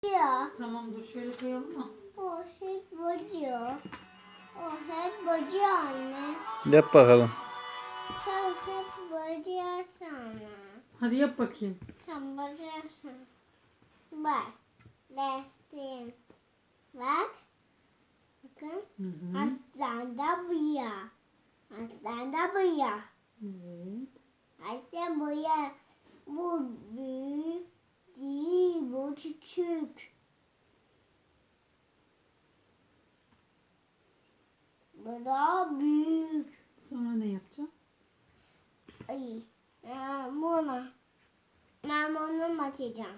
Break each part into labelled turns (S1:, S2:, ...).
S1: Ya.
S2: Tamam dur şöyle koyalım mı?
S1: O hep bozuyor. O hep bozuyor anne.
S3: Yap bakalım.
S1: Sen hep bozuyorsun.
S2: Hadi yap bakayım.
S1: Sen bozuyorsun. Bak. Resim. Bak. Bakın.
S2: Hı hı.
S1: Aslan da bu ya. Aslan da bu ya.
S2: Evet.
S1: Aslan bu ya. Bu büyük değil. Bu küçük. Bu daha büyük.
S2: Sonra ne yapacağım?
S1: Ay. Bunu. Ben bunu açacağım.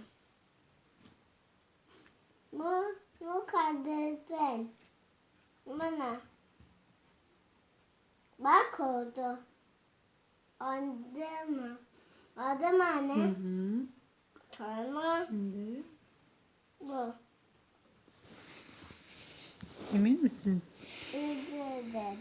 S1: Bu kardeşin. Bana. Bak oldu. Oldu mu? Oldu mu
S2: Hı
S1: anne?
S2: hı.
S1: Tamam.
S2: Şimdi
S1: Bu.
S2: emin misin?
S1: Dedi.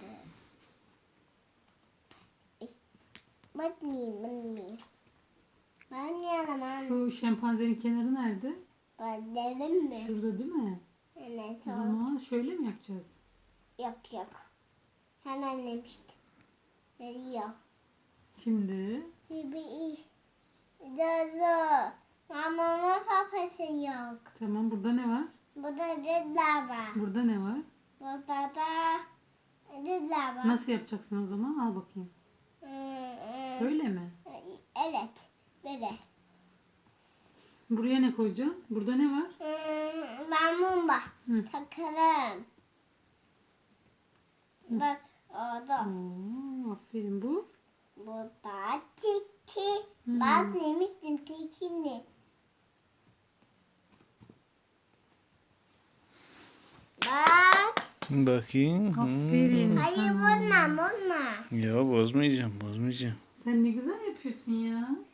S1: Bakmayayım. Ben yalamam.
S2: Şu şempanzenin kenarı nerede?
S1: Ben dedim mi?
S2: Şurada değil mi?
S1: Evet.
S2: O zaman şöyle mi yapacağız?
S1: Yok. Hemen demiştim. Veriyor.
S2: Şimdi
S1: Şimdi iyi. Dur. Mamamın papası yok.
S2: tamam, burada ne var?
S1: Burada dediler var.
S2: Burada ne var?
S1: Burada da dediler var.
S2: Nasıl yapacaksın o zaman? Al bakayım. Böyle mi?
S1: Evet. Böyle.
S2: Buraya ne koyacağım? Burada ne var?
S1: Ben mumba.
S2: Hı.
S1: Takalım. Bak orada.
S2: Oo, aferin bu.
S1: Burada tiki.
S2: Hmm.
S1: Bak demiştim tikini. Bak.
S3: Bakayım.
S2: Aferin
S1: Hayır
S2: sana.
S1: bununla.
S3: Ya bozmayacağım.
S2: Sen ne güzel yapıyorsun ya.